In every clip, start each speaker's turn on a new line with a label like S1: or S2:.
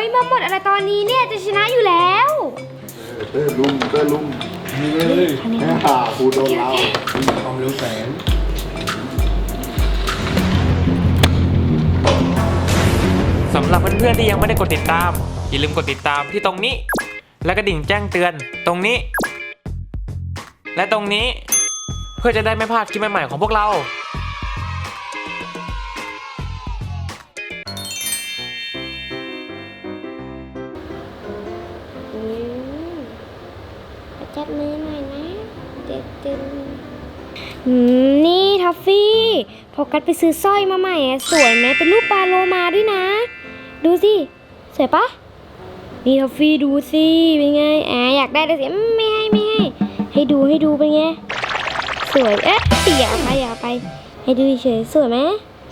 S1: มาหมดอะไรตอนนี้เนี่ยจะชนะอยู่แล้ว
S2: เตอร์ลุม
S3: นี่เลย
S2: กูโดนเรา
S3: ความเร็วแสง
S4: สำหรับเพื่อนๆที่ยังไม่ได้กดติดตามอย่าลืมกดติดตามที่ตรงนี้และกระดิ่งแจ้งเตือนตรงนี้และตรงนี้เพื่อจะได้ไม่พลาดคลิปใหม่ๆของพวกเรา
S1: จับมือหน่อยนะตึงนี่ท็อฟฟี่โฟกัสไปซื้อสร้อยมาใหม่สวยไหมเป็นรูปปลาโลมาด้วยนะดูสิสวยปะนี่ท็อฟฟี่ดูสิเป็นไงอยากได้แต่สิไม่ให้ดูเป็นไงสวยอย่าไปให้ดูเฉยสวยไหม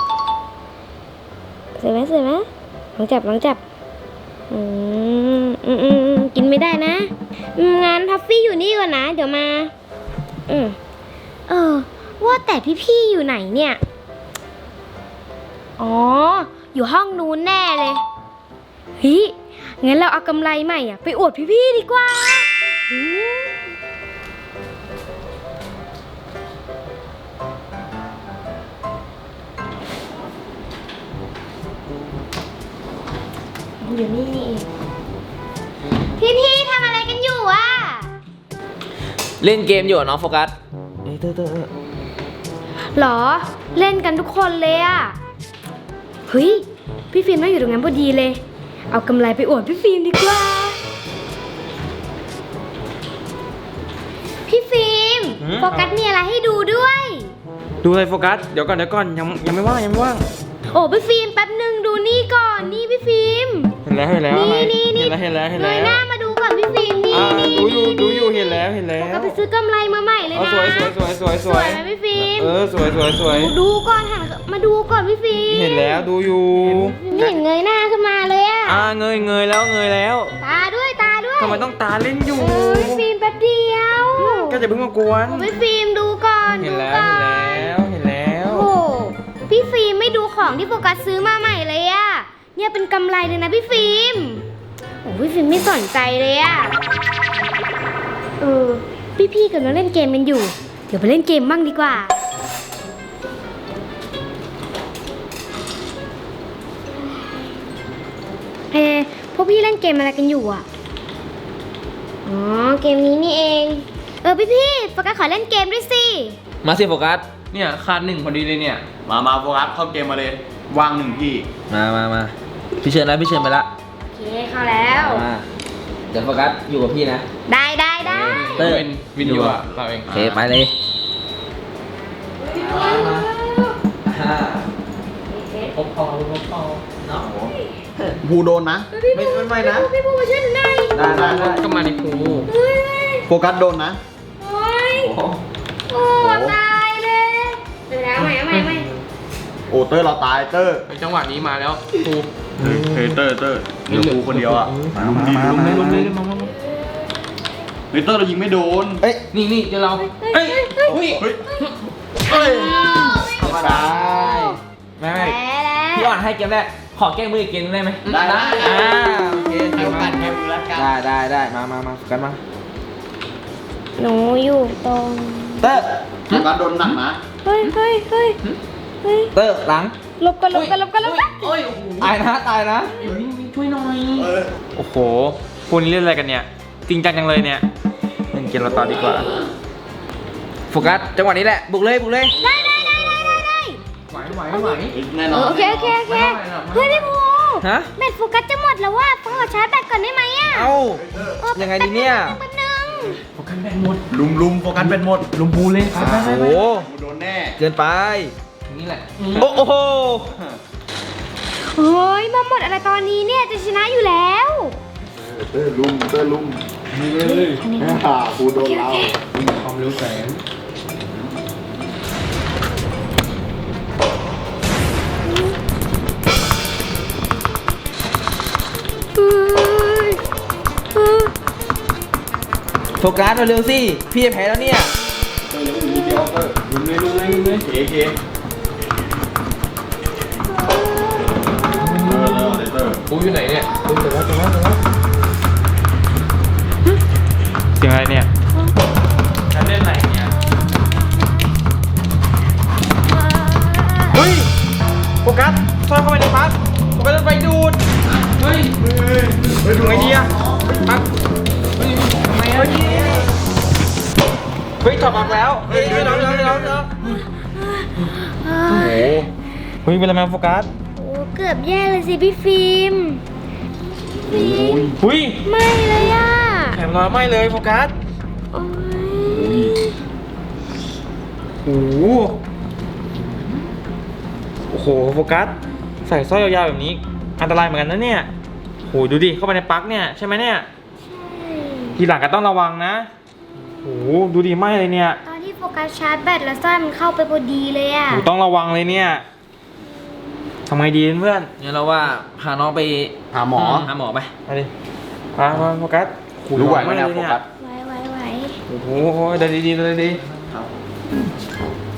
S1: ลองจับกินไม่ได้นะงั้นท็อฟฟี่อยู่นี่ก่อนนะเดี๋ยวมาว่าแต่พี่ๆอยู่ไหนเนี่ยอ๋ออยู่ห้องนู้นแน่เลยเฮ้ยงั้นเราเอากำไรใหม่ไปอวดพี่ๆดีกว่าอยู่นี่เองพี่ทำอะไรกันอยู่อะ
S5: เล่นเกมอยู่น้องโฟกัส
S1: หรอเล่นกันทุกคนเลยอะเฮ้ยพี่ฟิล์มไม่อยู่ตรงนั้นพอดีเลยเอากำไรไปอวดพี่ฟิล์มดีกว่าพี่ฟิล์มโฟกัสมีอะไรให้ดูด้วย
S4: ดูอะไรโฟกัสเดี๋ยวก่อนยังไม่ว่าง
S1: โอ้พี่ฟิล์มแป๊บหนึ่งดูนี่ก่อนนี่พี่ฟิล์ม
S4: เห็นแล้ว
S1: นี่
S4: เ
S1: งยหน้ามาดูก่อนพี่ฟิล์มนี่
S4: ดูอยู่เห็นแล้ว
S1: ก็ไปซื้อกำไรมาใหม่เลยนะ
S4: สวย
S1: ไหมพี่ฟิล์ม
S4: สวย
S1: ดูก่อนมาดูก่อนพี่ฟิล์ม
S4: เห็นแล้วดูอยู่
S1: ไม่เห็นเงยหน้าขึ้นมาเลยอะ
S4: เงยแล้ว
S1: ตาด้วย
S4: ทำไมต้องตาเล่นอยู่
S1: พี่ฟิล์มแป๊บเดียว
S4: ก็จะเพิ่งมากวน
S1: พี่ฟิล์มดูก่อน
S4: เห็นแล้ว
S1: โอ้พี่ฟิล์มไม่ดูของที่โฟกัสซื้อมาใหม่เลยอะเนี่ยเป็นกำไรเลยนะพี่ฟิล์มโอ้พี่ฟิล์มไม่สนใจเลยอะพี่กำลังเล่นเกมกันอยู่เดี๋ยวไปเล่นเกมบ้างดีกว่าพวกพี่เล่นเกมอะไรกันอยู่อะอ๋อเกมนี้นี่เองพี่โฟกัสขอเล่นเกมด้วยสิ
S5: มาสิโฟกัส
S3: เนี่ยขาด1พอดีเลยเนี่ย
S2: มาโฟกัสเข้าเกมมาเลยว่าง1พี่
S5: มาพี่เชิญไปละ
S1: โอเคเข้าแล้ว
S5: เดี๋ยวโฟกัสอยู่กับพี่นะ
S1: ได้
S5: เตอร์
S3: เป็นวิดีโอเราเอง
S5: โอเคไปเลย
S3: พบพอเนาะ
S2: ภูโดนนะ
S5: ไม่นะ
S1: พี่ภูมาช่วยหนูหน่อย
S5: ได้
S3: ก็มาดิภู
S2: โฟกัสโดนนะ
S1: โอ้ตายเลยเดี๋ยวเอาใหม่
S2: โอ้เตอร์เราตายเตอร์
S3: จังหวะนี้มาแล้วภู
S2: เฮ้ยเตอร์เดี๋ยวภูคนเดียวอ่ะ
S3: ลงเลยมา
S2: เฮ้ยเตอร์เรายิงไม่โดน
S3: นี่เดี๋ยวเราเฮ้ย
S2: ธรรมดา
S5: ไม่พี่อ่อนให้เกมแรกขอแก้มืออีกเกมได้ไหม
S2: ได้
S5: โอเค
S2: เกี่ยวกันแก้มือแล้วกัน
S5: ได้มากันมา
S1: หนูอยู่ตรง
S5: เตอร์
S2: โฟกัสโดนหนักนะ
S1: เฮ้ย
S5: เตอร์หลัง
S1: ลบกัน
S3: โอ้ย
S5: ตายนะ
S3: ช่วยหน่อย
S4: โอ้โหคุณเล่นอะไรกันเนี่ยจริงจังเลยเนี่ยเล่นเกมเราต่อดีกว่า
S5: โฟกัสจังหวะนี้แหละบุกเลย
S1: ได้
S3: ไหว
S2: แน่นอน
S1: โอเคเฮ้ยพี่ภูแบตโฟกัสจะหมดแล้วว่าขอชาร์จแบตก่อนได้ไหมอ่ะ
S5: ยังไงดีเนี่ย
S3: โฟกัสแบตหมด
S2: ลุมโฟกัสแบตหมด
S3: ลุมภูเลย
S5: โอ้โห
S2: โดนแน่
S5: เกินไป
S3: นี่แหละ
S5: โอ้โห
S1: เฮ้ยมาหมดอะไรตอนนี้เนี่ยจะชนะอยู่แล้ว
S2: เตอร์ลุม
S3: นี่เลย
S2: ภูโดนเรา
S3: ความเร็วแสง
S5: โฟกัสเร็วสิพี่จะแพ้แล้วเนี่ย
S2: เดี๋ยวเตอร์
S3: ลุมเลย
S2: เค
S3: ปูอยู่ไหนเนี่ย
S4: เจอแล้วเสียงอะไรเนี่ยฉันเล่นอะไรเนี่ยเฮ้ยโฟกัสซ่อนเข้าไปในพักโฟกัสไปดูดเฮ้ยดูไงดีอะพักเฮ้ยทำไมอะเฮ้ยถอดปลั๊กแล้วเฮ้ยน้องโอ้โหเฮ้ยเป็นอะไรมาโฟกัส
S1: โอ้เกือบแย่เลยสิพี่ฟิล์มฟิล์ม
S4: เฮ้ย
S1: ไม่เลยอ่ะ
S4: แถมรอยไหม้เลยโฟกัส
S1: โอ้ย
S4: โอ้โหโอ้โหโฟกัสใส่สร้อยยาวๆแบบนี้อันตรายเหมือนกันนะเนี่ยโหดูดิเข้าไปในปลั๊กเนี่ยใช่ไหมเนี่ยทีหลังก็ต้องระวังนะโอ้โหดูดิไหม้เลยเนี่ย
S1: ตอนที่โฟกัสชาร์จแบตแล้วสร้อยมันเข้าไปพอดีเลยอ่ะ
S4: โหต้องระวังเลยเนี่ยทำไงดีเพื่อน
S5: งั้นเราว่าพาน้องไป
S2: หาหมอ
S5: หาหมอไป
S4: มาดิมาโฟกัสโอ้โ
S2: รู้ไหวไหม
S4: ม้
S2: เนี่ย
S4: เลย
S2: โฟกัส
S1: ไหว
S4: โอ้โหเดินดีๆเดินดี